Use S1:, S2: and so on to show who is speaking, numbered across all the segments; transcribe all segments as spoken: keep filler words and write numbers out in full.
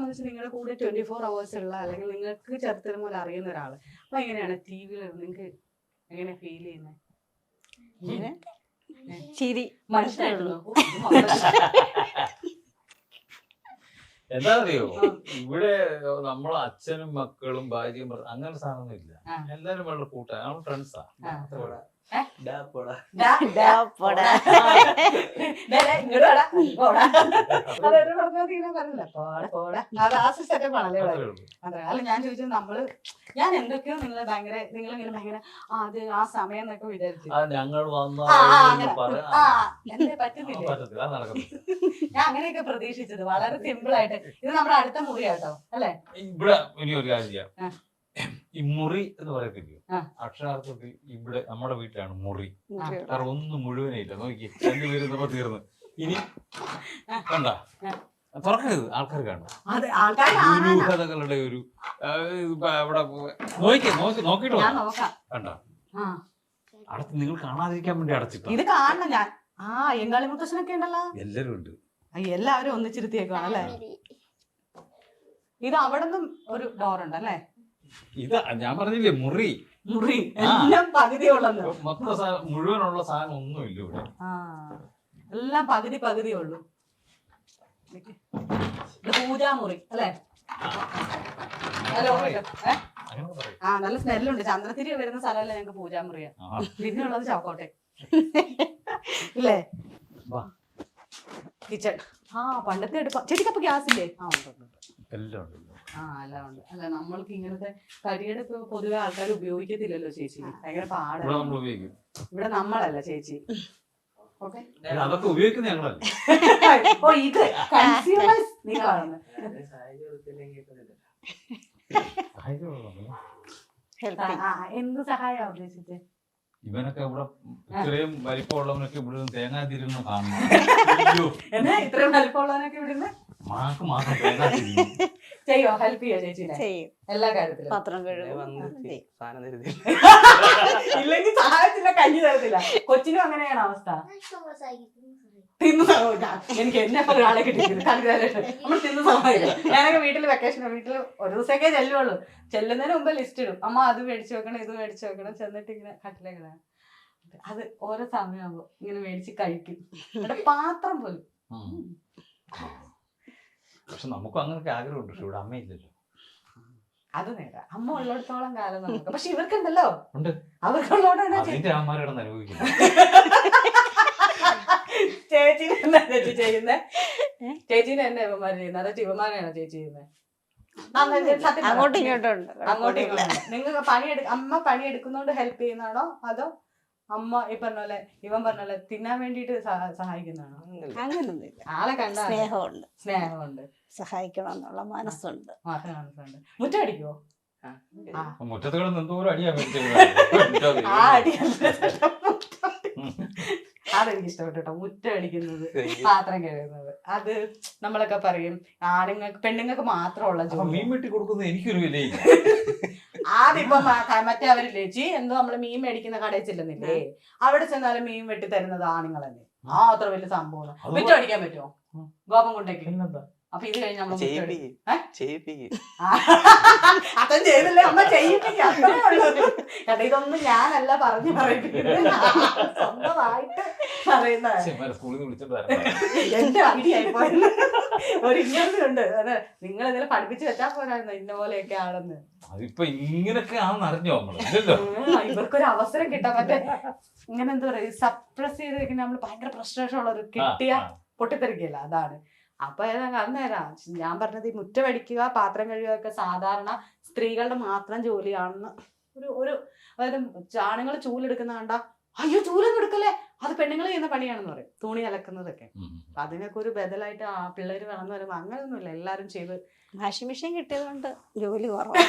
S1: വെച്ചാൽ നിങ്ങളുടെ കൂടെ ട്വന്റി ഫോർ അവേഴ്സ് ഉള്ള അല്ലെങ്കിൽ നിങ്ങൾക്ക് ചെറുത്തിനും പോലെ അറിയുന്ന ഒരാള്. അപ്പൊ എങ്ങനെയാണ് ടി വിയിൽ നിങ്ങൾക്ക് എങ്ങനെ ഫീൽ ചെയ്യുന്നത്?
S2: ചിരി
S1: മനസ്സിലായിട്ടുള്ളൂ.
S3: എന്താ അറിയോ, ഇവിടെ നമ്മളെ അച്ഛനും മക്കളും ഭാര്യയും അങ്ങനെ സാധനമൊന്നും ഇല്ല. എല്ലാരും വളരെ കൂട്ടാ, നമ്മൾ ഫ്രണ്ട്സാ.
S1: അല്ല ഞാൻ ചോദിച്ചത് നമ്മള് ഞാൻ എന്തൊക്കെയോ നിങ്ങളെ ഭയങ്കര നിങ്ങളിങ്ങനെ ഭയങ്കര അത് ആ സമയം എന്നൊക്കെ വിചാരിച്ചു.
S3: ഞങ്ങൾ
S1: എന്നെ പറ്റുന്നില്ല. ഞാൻ അങ്ങനെയൊക്കെ പ്രതീക്ഷിച്ചത് വളരെ സിമ്പിൾ ആയിട്ട്. ഇത് നമ്മുടെ അടുത്ത മുറിയാട്ടോ അല്ലെ?
S3: ഇവിടെ ഇനി ഒരു കാര്യം ചെയ്യാം. ഈ മുറി എന്ന് പറയത്തില്ലയോ, അക്ഷരാർത്ഥത്തിൽ ഇവിടെ നമ്മുടെ വീട്ടിലാണ് മുറി. കാരണം ഒന്നും മുഴുവനേ ഇല്ല. നോക്കി രണ്ടുപേരും നമ്മ തീർന്ന്. ഇനി കണ്ട തുറക്കരുത്, ആൾക്കാർ കാണും. ദുരൂഹതകളുടെ ഒരു അവിടെ നോക്കി നോക്കി നോക്കിട്ടോ കണ്ട അടച്ച് നിങ്ങൾ കാണാതിരിക്കാൻ വേണ്ടി അടച്ചിട്ടു.
S1: ഇത് കാണണം ഞാൻ. ആ എങ്കാളി മുത്തശ്ശനൊക്കെ ഉണ്ടല്ലോ,
S3: എല്ലാരും ഉണ്ട്.
S1: എല്ലാവരും ഒന്നിച്ചിരുത്തിയേക്കാണല്ലേ. ഇത് അവിടെ നിന്നും ഒരു ഡോർ ഉണ്ടല്ലേ?
S3: ഇതാ ഞാൻ പറഞ്ഞില്ലേ മുറി.
S1: മുറി എല്ലാം പകുതിയുള്ളത്,
S3: മൊത്തം മുഴുവനുള്ള സാധനം ഒന്നും ഇല്ല ഇവിടെ.
S1: ആ എല്ലാം പകുതി പകുതിയേ ഉള്ളൂ. പൂജാമുറി അല്ലേ? ആ നല്ല സ്മെല്ലുണ്ട്. ചന്ദ്രത്തിരി വരുന്ന സ്ഥലമല്ലേ ഞങ്ങക്ക് പൂജാമുറിയാ. പിന്നെ ഉള്ളത് ചാക്കോട്ടെ ഇല്ലേ? കിച്ചൺ. ആ പണ്ടത്തെ എടുപ്പ. ചേച്ചിക്കപ്പൊ ഗ്യാസ് ഇല്ലേ? ആ ഉണ്ട്.
S3: എല്ലാം ഉണ്ട്.
S1: ആ എല്ലാം ഉണ്ട്. അല്ല നമ്മൾക്ക് ഇങ്ങനത്തെ കരിയടുപ്പ് പൊതുവെ ആൾക്കാർ ഉപയോഗിക്കത്തില്ലല്ലോ ചേച്ചി. ഭയങ്കര പാടാണ്. ഇവിടെ നമ്മളല്ല ചേച്ചി.
S3: അതൊക്കെ ഉപയോഗിക്കുന്ന ഞങ്ങളല്ല.
S1: ഓ ഇത് കൺസ്യൂമേഴ്സ് നിങ്ങളാണ്. എന്ത് സഹായം ഉദ്ദേശിച്ചത്?
S3: ഇവനൊക്കെ ഇവിടെ ഇത്രയും വലിപ്പമുള്ളവനൊക്കെ ഇവിടെ തേങ്ങാ തിരുന്ന് കാണുന്നു.
S1: എന്നാ ഇത്രയും വലിപ്പമുള്ളവനൊക്കെ ഇവിടുന്ന്
S3: മാക്ക് മാത്രം തേങ്ങാ തിരുന്നു
S1: ചെയ്യോ? ഹെൽപ്പ് ചെയ്യോ ചേച്ചിനെ എല്ലാ കാര്യത്തിലും?
S2: പാത്രം കഴുകും,
S1: ഇല്ലെങ്കിൽ സഹായത്തില്ല, കഞ്ഞി തരത്തില്ല. കൊച്ചിനും അങ്ങനെയാണ് അവസ്ഥ. തിന്നു എനിക്ക് എന്നെ ഒരാളെ കിട്ടിയില്ല. നമ്മൾ തിന്നു സഹായിക്കും. ഞാനൊക്കെ വീട്ടിൽ വെക്കേഷൻ വീട്ടിൽ ഒരു ദിവസമൊക്കെ ചെല്ലുള്ളൂ. ചെല്ലുന്നതിന് മുമ്പ് ലിസ്റ്റ് ഇടും. അമ്മ അത് മേടിച്ചു വെക്കണം, ഇത് മേടിച്ചു വെക്കണം. ചെന്നിട്ട് ഇങ്ങനെ കട്ടിലേക്കിടാൻ അത് ഓരോ സമയമാകുമ്പോ ഇങ്ങനെ മേടിച്ച് കഴിക്കും. ഇവിടെ പാത്രം പോലും.
S3: പക്ഷെ നമുക്കും അങ്ങനൊക്കെ ആഗ്രഹമുണ്ട്. പക്ഷെ ഇവിടെ അമ്മയില്ലല്ലോ.
S1: അത് നേരാ, അമ്മ ഉള്ളിടത്തോളം കാലം നമുക്ക്. പക്ഷെ ഇവർക്കുണ്ടല്ലോ,
S3: ഉണ്ട്.
S1: അവർക്കുള്ളോടാണ്
S3: അതിന്റെ അമ്മമാരോട് അനുഭവിക്കുന്നത്.
S1: ചേച്ചീനെ എന്നാ ചേച്ചി ചെയ്യുന്നേ? ചേച്ചീനെ എന്നെ ഇവന്മാര് ചെയ്യുന്നത്? അതോ ഇവന്മാരെയാണോ ചേച്ചി ചെയ്യുന്നത്?
S2: അങ്ങോട്ടും ഇങ്ങോട്ടും ഉണ്ട്.
S1: അങ്ങോട്ടും ഇങ്ങോട്ടും. നിങ്ങൾക്ക് പണിയെടു അമ്മ പണിയെടുക്കുന്നോണ്ട് ഹെൽപ്പ് ചെയ്യുന്നതാണോ അതോ അമ്മ ഈ പറഞ്ഞ പോലെ ഇവൻ പറഞ്ഞ പോലെ തിന്നാൻ വേണ്ടിട്ട് സഹായിക്കുന്നതാണോ?
S2: അങ്ങനൊന്നുമില്ല.
S1: ആളെ കണ്ട
S2: സ്നേഹമുണ്ട്,
S1: സ്നേഹമുണ്ട്,
S2: സഹായിക്കണം എന്നുള്ള മനസ്സുണ്ട്.
S1: മനസ്സുണ്ട്. മുറ്റം അടിക്കുവോ?
S3: മുറ്റത്ത് കിടന്ന് എന്തോരം അടിയാ
S1: ആ അടി അതെനിക്ക് ഇഷ്ടപ്പെട്ടു കേട്ടോ. മുറ്റം അടിക്കുന്നത്, പാത്രം കഴുകുന്നത്, അത് നമ്മളൊക്കെ പറയും ആണുങ്ങൾക്ക് പെണ്ണുങ്ങൾക്ക് മാത്രമുള്ള ജോലി.
S3: മീൻ വെട്ടി കൊടുക്കുന്നത് എനിക്കൊരു വിലയില്ല.
S1: ആദ്യം മറ്റേ അവരില്ലേ ചി എന്തോ നമ്മള് മീൻ മേടിക്കുന്ന കടയിൽ ചെല്ലുന്നില്ലേ, അവിടെ ചെന്നാലും മീൻ വെട്ടി തരുന്നത് ആണുങ്ങളല്ലേ. ആ അത്ര വലിയ സംഭവം. മുറ്റം അടിക്കാൻ പറ്റുമോ? ഗോപം കൊണ്ടേക്ക്. അപ്പൊ ഇത് കഴിഞ്ഞ് നമ്മള് അതും ചെയ്തില്ലേ അമ്മ ചെയ്യിപ്പിക്കുക. അത്രേ ഉള്ളൂ കേട്ടോ. ഇതൊന്നും ഞാനല്ല പറഞ്ഞു പറയിപ്പിക്കുന്നത്, സ്വന്തമായിട്ട് പറയുന്നതാണ്. എന്റെ അടിയായിപ്പോയത്. ഒരു ഇങ്ങനെ ഉണ്ട്. അതെ, നിങ്ങൾ ഇതിൽ പഠിപ്പിച്ച് വെച്ചാൽ പോരായിരുന്നു ഇന്ന പോലെയൊക്കെ ആണെന്ന്.
S3: അതിപ്പോ ഇങ്ങനൊക്കെ ആണെന്ന് അറിഞ്ഞോ നമ്മള്?
S1: ഇവർക്കൊരു അവസരം കിട്ടാൻ മറ്റേ ഇങ്ങനെ എന്താ പറയാ സപ്രസ് ചെയ്ത് വെക്കുന്ന നമ്മള് ഭയങ്കര ഫ്രസ്ട്രേഷൻ ഉള്ളൊരു കിട്ടിയ പൊട്ടിത്തെറിക്കല്ല. അതാണ്. അപ്പൊ അന്നേരാ ഞാൻ പറഞ്ഞത് ഈ മുറ്റമടിക്കുക പാത്രം കഴുകുക ഒക്കെ സാധാരണ സ്ത്രീകളുടെ മാത്രം ജോലിയാണെന്ന് ഒരു ഒരു അതായത് ആണുങ്ങൾ ചൂലെടുക്കുന്ന കണ്ട അയ്യോ ചൂലൊന്നും എടുക്കല്ലേ, അത് പെണ്ണുങ്ങൾ ചെയ്യുന്ന പണിയാണെന്ന് പറയും. തുണി അലക്കുന്നതൊക്കെ. അപ്പൊ അതിനൊക്കെ ഒരു ബദലായിട്ട് ആ പിള്ളേര് വളർന്നു വരുമ്പോ അങ്ങനെയൊന്നുമില്ല, എല്ലാരും ചെയ്ത്.
S2: വാഷിംഗ് മെഷീൻ കിട്ടിയത് കൊണ്ട് ജോലി കുറവാണ്.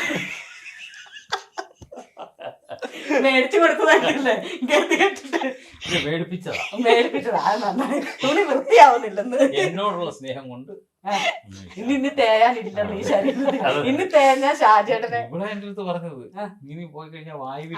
S1: മേടിച്ചു കൊടുത്തതല്ലേ
S3: മേടിപ്പിച്ചതാ
S1: മേടിപ്പിച്ചതാ. അത് നന്നായി തുണി വൃത്തിയാവുന്നില്ലെന്ന്
S3: എന്നോടുള്ള സ്നേഹം കൊണ്ട്.
S1: ഇനി ഇന്ന് തേയാനില്ലെന്ന് ഈ ശരീരത്തിൽ. ഇന്ന് തേഞ്ഞാ ഷാജേട്ടനെ
S3: ഇവിടെ എന്റെ അടുത്ത് പറഞ്ഞത് ഇനി പോയി കഴിഞ്ഞാൽ വായുവിൽ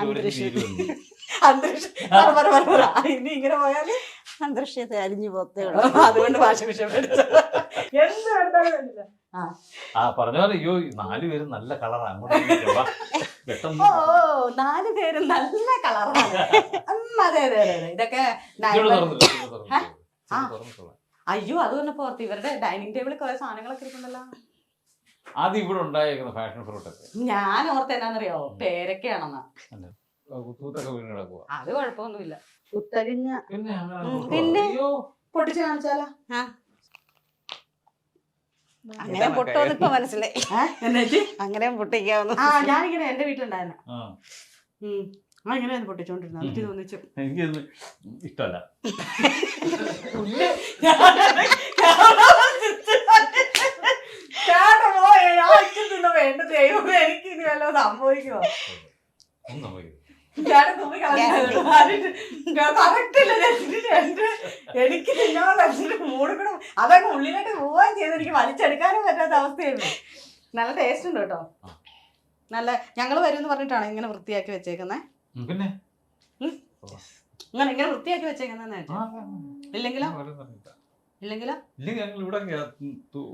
S1: അന്തരീക്ഷം ഇനി ഇങ്ങനെ പോയാല്
S2: അന്തരീക്ഷത്തെ അരിഞ്ഞു പോത്തേ ഉള്ളൂ.
S1: അതുകൊണ്ട് വാഷിംഗ് മെഷീൻ മേടിച്ചത്. എന്ത് കണ്ടാലും വേണ്ടില്ല. ആ
S3: ആ പറഞ്ഞ പോലെ അയ്യോ നാല് പേരും നല്ല കളറാണ് അങ്ങോട്ട് ഇങ്ങോട്ട് വാ. പെട്ടെന്ന്
S1: ഓ നാല് പേര് നല്ല കളറാണ്. അതെ അതെ അതെ അതെ ഇതൊക്കെ
S3: ഇങ്ങോട്ട്
S1: നൈബർ-
S3: തുറന്നിട്ടോ, ഇങ്ങോട്ട് തുറന്നിട്ടോ.
S1: ആ.
S3: ഇങ്ങോട്ട് തുറന്നിട്ടോളാം.
S1: അയ്യോ അത് തന്നെ പുറത്ത് ഇവരുടെ ഡൈനിങ് ടേബിളിൽ കുറെ സാധനങ്ങളൊക്കെ ഇരിക്കുന്നുണ്ടല്ലോ.
S3: ആദ്യം ഇവിടെ ഉണ്ടായേക്കുന്ന ഫാഷൻ ഫ്രൂട്ടൊക്കെ
S1: ഞാൻ ഓർത്ത് എന്നാന്നറിയോ പേരൊക്കെയാണെന്നാ.
S3: കുത്തൂത്തൊക്കെ വീണ് കിടക്കുക.
S1: അത് കുഴപ്പമൊന്നുമില്ല. കുത്തഴിഞ്ഞ
S3: പിന്നെ അങ്ങനെ
S2: ഉം,
S3: കൊണ്ടുപോവാ.
S2: പിന്നെ?
S3: അയ്യോ
S1: പൊട്ടിച്ച് കാണിച്ചാലോ?
S2: അങ്ങനെ പൊട്ടുമെന്ന് ഇപ്പൊ മനസ്സിലായി.
S1: എന്നിട്ട്
S2: അങ്ങനെയും പൊട്ടിക്കാവുന്നു.
S1: ആ ഞാനിങ്ങനെ എന്റെ വീട്ടിലുണ്ടായിരുന്നു.
S3: ആ
S1: ഉം ആ ഇങ്ങനെ പൊട്ടിച്ചോണ്ടിരുന്നു. എന്നിട്ട് തോന്നിച്ചു
S3: എനിക്കൊന്നും ഇഷ്ടമല്ല.
S1: വേണ്ട ദൈവം എനിക്ക് ഇനി വല്ല സംഭവിക്കുമോ?
S3: ഒന്നും സംഭവിക്കില്ല.
S1: എനിക്ക് തിന്നാൻ മൂടിക്കണം അതൊക്കെ ഉള്ളിലോട്ട് പോവുകയും ചെയ്ത് എനിക്ക് വലിച്ചെടുക്കാനും പറ്റാത്ത അവസ്ഥയായിരുന്നു. നല്ല ടേസ്റ്റ് ഉണ്ട് കേട്ടോ. നല്ല ഞങ്ങള് വരുമെന്ന് പറഞ്ഞിട്ടാണ് ഇങ്ങനെ വൃത്തിയാക്കി വെച്ചേക്കുന്നേ.
S3: ഉം, പിന്നെ
S1: ഇങ്ങനെ ഇങ്ങനെ വൃത്തിയാക്കി വെച്ചേക്കുന്ന
S3: ആ,
S1: ഇല്ലെങ്കിലോ
S3: ഞാൻ വേറെ പറഞ്ഞില്ല.
S1: ഇല്ലെങ്കിലോ
S3: ഇല്ലെങ്കിൽ ഞങ്ങൾ ഇവിടെ അങ്ങ് തു-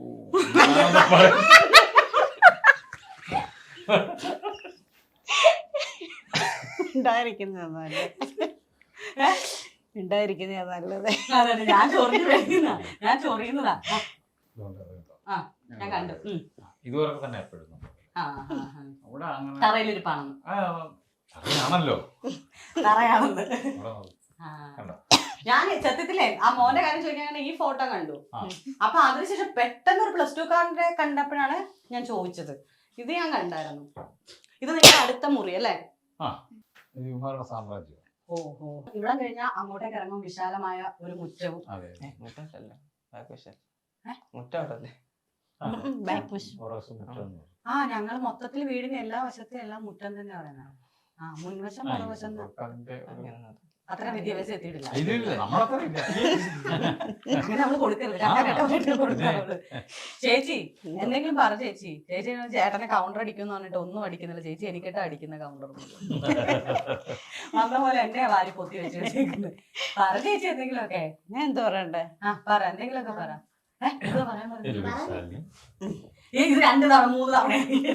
S2: ഉണ്ടായിരിക്കുന്നതാ നല്ലത്. ഉണ്ടായിരിക്കുന്നതാ നല്ലത്.
S1: അതെ ഞാൻ ചൊറിഞ്ഞു കഴിക്കുന്ന ഞാൻ ചൊറിയുന്നതാ.
S3: ഇതുകൊണ്ട് അറിയില്ല.
S1: ആ ഞാൻ കണ്ടു. ഉം.
S3: ഇതുവരെ തന്നെ എപ്പോഴും
S1: ആ, ആ, ആ.
S3: അവിടെ അങ്ങനെ
S1: തറയിലിരിപ്പാണെന്ന്
S3: ആ, അറിയാണല്ലോ
S1: തറയാണെന്ന്.
S3: അവിടെ
S1: ആ.
S3: കണ്ടോ?
S1: ഞാൻ സത്യത്തിലേ ആ മോന്റെ കാര്യം ചോദിക്കാൻ ഈ ഫോട്ടോ കണ്ടു.
S3: ആ.
S1: അപ്പൊ അതിനുശേഷം പെട്ടെന്ന് ഒരു പ്ലസ് ടു കാരന്റെ കണ്ടപ്പോഴാണ് ഞാൻ ചോദിച്ചത്. ഇത് ഞാൻ കണ്ടായിരുന്നു. ഇത് നിങ്ങളുടെ അടുത്ത മുറി അല്ലേ?
S3: ആ ഇത് ഇവന്മാരുടെ സാമ്രാജ്യം.
S1: ഓഹോ ഇവിടെ കഴിഞ്ഞാൽ അങ്ങോട്ടേക്ക് ഇറങ്ങും വിശാലമായ ഒരു മുറ്റവും.
S3: അതെ
S4: മുറ്റല്ല ബാക്ക് വശം
S1: ഏ?
S4: മുറ്റവിടല്ലേ
S3: ആ,
S2: ഉം, back wash.
S3: കുറേശ്ശെ മുറ്റം എന്ന് പറയും.
S1: ആ ഞങ്ങൾ മൊത്തത്തിൽ വീടിന്റെ എല്ലാ വശത്തെയും എല്ലാം മുറ്റം തന്നെ പറയുന്നത്. ആ മുൻവശം
S3: ആ,
S1: മറുവശം
S3: ഇത് അതിന്റെ ഒരു-
S4: അങ്ങനെ
S1: അത്ര വിദ്യാഭ്യാസം എത്തിയിട്ടില്ല.
S3: ഇല്ല, ഇല്ല, നമ്മളത്ര ഇല്ല.
S1: അങ്ങനെ നമ്മള് കൊടുക്കരുത്.
S3: ആ,
S1: രണ്ടാം
S3: പിന്നെ.
S1: ചേച്ചി എന്തെങ്കിലും പറ ചേച്ചി. ചേച്ചി ചേട്ടനെ കൗണ്ടർ അടിക്കുന്നു പറഞ്ഞിട്ട് ഒന്നും അടിക്കുന്നില്ല. ചേച്ചി എനിക്കിട്ട് അടിക്കുന്ന കൗണ്ടർ വന്ന പോലെ എന്നെ വാരി പൊത്തി വെച്ച് വെച്ചേക്കുന്നത്. പറ ചേച്ചി എന്തെങ്കിലുമൊക്കെ.
S2: ഞാൻ എന്ത് പറയണ്ടേ?
S1: ആ പറ എന്തെങ്കിലുമൊക്കെ പറ. ഏ, എന്താ പറയാൻ
S3: ഒരു
S1: പറഞ്ഞത്?
S3: ശാലിനി.
S1: ഏ, ഇത് രണ്ട് തവണ മൂന്ന് തവണ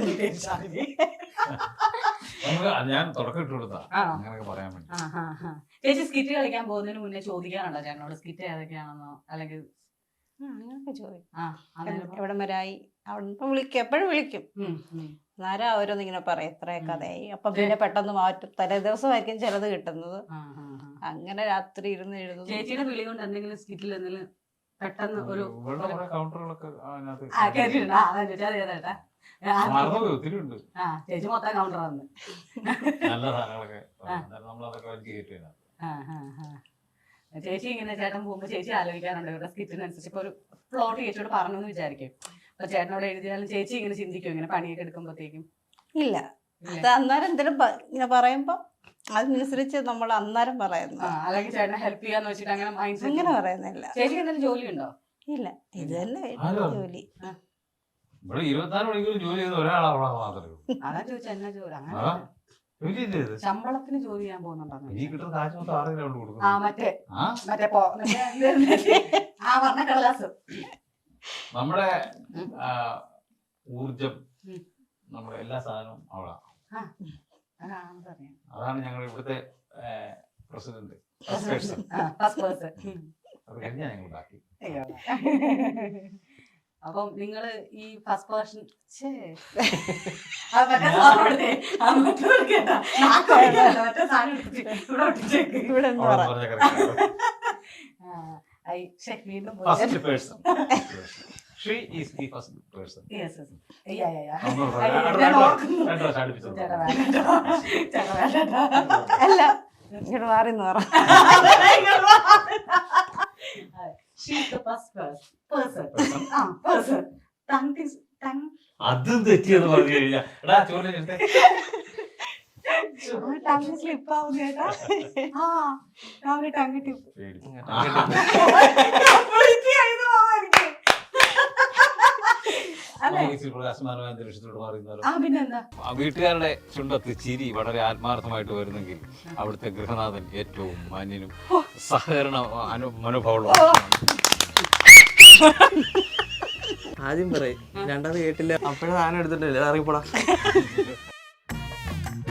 S3: നമുക്ക് ഞാൻ തുടക്കം ഇട്ട് കൊടുത്താ
S1: ആ.
S3: അങ്ങനെയൊക്കെ പറയാൻ വേണ്ടി.
S1: ആ, ആ, ആ. ചേച്ചി സ്കിറ്റ് കളിക്കാൻ പോകുന്നതിന് മുന്നേ ചോദിക്കാറുണ്ടോ ചേട്ടനോട് സ്കിറ്റ് ഏതൊക്കെയാണെന്നോ അല്ലെങ്കിൽ
S2: ആ, അങ്ങനൊക്കെ ചോദിക്കും.
S1: ആ അങ്ങനെ
S2: എവിടം വരായി അവിടെ നിന്ന് വിളിക്കും, എപ്പോഴും വിളിക്കും.
S1: ഉം, ഉം.
S2: നേരം ഓരോന്ന് ഇങ്ങനെ പറയും എത്ര കഥയായി. അപ്പൊ പിന്നെ പെട്ടെന്ന് മാറ്റും. തലേ ദിവസമായിരിക്കും ചിലത് കിട്ടുന്നത്.
S1: ആ, ആ, ആ.
S2: അങ്ങനെ രാത്രി ഇരുന്ന് എഴുതുന്നു.
S1: ചേച്ചിയുടെ വിളി കൊണ്ട് എന്തെങ്കിലും സ്കിറ്റിൽ എന്തെങ്കിലും പെട്ടെന്ന് ഒരു
S3: ഇവരുടെ കുറെ കൗണ്ടറുകളൊക്കെ അതിനകത്ത്
S1: ആ കേട്ടിട്ടുണ്ട്. ആ അതാ ചോദിച്ചാ ചേട്ടാ.
S3: മറന്നുപോയി, ഒത്തിരി ഉണ്ട്
S1: ആ ചേച്ചി മൊത്തം കൗണ്ടർ വന്ന്.
S3: നല്ല സാധനങ്ങളൊക്കെ. അന്നേരം നമ്മളതൊക്കെ വലിച്ച് കയറ്റുക.
S1: ആ, ആ, ആ. ചേച്ചി ഇങ്ങനെ ചേട്ടൻ പോകുമ്പോ ചേച്ചി ആലോചിക്കാറുണ്ട് ഇവരുടെ സ്കിറ്റിനനുസരിച്ച്. ഇപ്പൊ ഒരു പ്ലോട്ട് ചേച്ചിയോട് പറഞ്ഞു എന്ന് വിചാരിക്കും. അപ്പൊ ചേട്ടനോട് എഴുതിയാലും ചേച്ചി ഇങ്ങനെ ചിന്തിക്കും ഇങ്ങനെ പണിയൊക്കെ എടുക്കുമ്പോഴത്തേക്കും.
S2: ഇല്ല, അത് അന്നേരം എന്തെങ്കിലും പ- ഇങ്ങനെ പറയുമ്പോ അതിനനുസരിച്ച് നമ്മൾ അന്നേരം പറയുന്നു.
S1: ആ അല്ലെങ്കിൽ ചേട്ടനെ ഹെൽപ്പ് ചെയ്യാന്ന് വെച്ചിട്ട് അങ്ങനെ മൈൻഡ്
S2: അങ്ങനെ പറയുന്നില്ല.
S1: ചേച്ചിക്ക് എന്തെങ്കിലും ജോലി ഉണ്ടോ?
S2: ഇല്ല, ഇത് തന്നെ
S3: ആരോ?
S2: ജോലി.
S3: ഇവിടെ ഇരുപത്തിനാല് മണിക്കൂർ ജോലി ചെയ്ത ഒരാളവിടെ മാത്രമേ ഉള്ളൂ.
S1: അതാ ചോദിച്ചാ എന്നാ ജോലി അങ്ങനെ
S3: ആ. ജോലി ഇല്ലേ ഇത്?
S1: ശമ്പളത്തിന് ജോലി ചെയ്യാൻ പോകുന്നുണ്ടോ?
S3: ഈ കിട്ടുന്ന കാശ് മൊത്തം ആരെങ്കിലും കൊണ്ട്
S1: ആ
S3: കൊടുക്കും.
S1: മറ്റേ
S3: ആ
S1: മറ്റേ പോ മറ്റേ ഇത് ആ വർണ്ണ കടലാസ്.
S3: നമ്മുടെ ആ, ഊർജം
S1: ഉം.
S3: നമ്മുടെ എല്ലാ സാധനവും അവിടെ.
S1: ആ അതറിയാം.
S3: അതാണ് ഞങ്ങൾ ഇവിടുത്തെ പ്രസിഡന്റ്.
S1: ആ, first person. ഉം.
S3: അത് കഴിഞ്ഞാൽ ഞങ്ങൾ ബാക്കി.
S1: അയ്യോ. അപ്പം നിങ്ങള് ഈ ഫസ്റ്റ് പേഴ്സൺ
S2: ഇവിടെ എന്ന്
S3: അവിടെ
S2: പറ.
S3: പറഞ്ഞ correct ആണ്.
S1: വീണ്ടും
S3: First person. She is the first person.
S1: Yes, yes. Yeah, yeah, yeah.
S3: ഒന്ന്
S1: അയ്യോ,
S3: പറയാം. രണ്ട്
S1: ഞാൻ
S3: പ്രാവശ്യം-
S1: ഓർക്കുന്നു.
S3: രണ്ട് പ്രാവശ്യം അടുപ്പിച്ച്
S1: ചേട്ടാ
S3: പറഞ്ഞു.
S1: വേണ്ടട്ടോ. ചേട്ടാ വേണ്ടട്ടോ.
S2: അല്ല, ഇങ്ങോട്ട് മാറി എന്ന് പറ.
S1: She's the first person. Person. ആ, person. Tongue is- tongue.
S3: അതും തെറ്റിയെന്ന് പറഞ്ഞു കഴിഞ്ഞാൽ എടാ ചോദ്യം എടുത്തേ.
S1: ആ, tongue slip ആവും ചേട്ടാ. ആ, രാവിലെ tongue tip.
S3: പേടിച്ചു.
S1: Completely ആയിരുന്നു മാമ എനിക്ക്. അല്ലേ?
S3: നമുക്ക് ഇച്ചിരി പ്രകാശമാനമായ അന്തരീക്ഷത്തിലൂടെ മാറിയിരുന്നാലോ?
S1: ആ, പിന്നെന്താ?
S3: ആ വീട്ടുകാരുടെ ചുണ്ടത്ത് ചിരി വളരെ ആത്മാർത്ഥമായിട്ട് വരുന്നെങ്കിൽ അവിടുത്തെ ഗൃഹനാഥൻ ഏറ്റവും മാന്യനും സഹകരണ അനു മനോഭാവമുള്ള
S4: ആദ്യം പറയും രണ്ടാമത് കേട്ടില്ല അപ്പോഴേ സാധനം എടുത്തിട്ടില്ല ഇറങ്ങിപ്പോടാ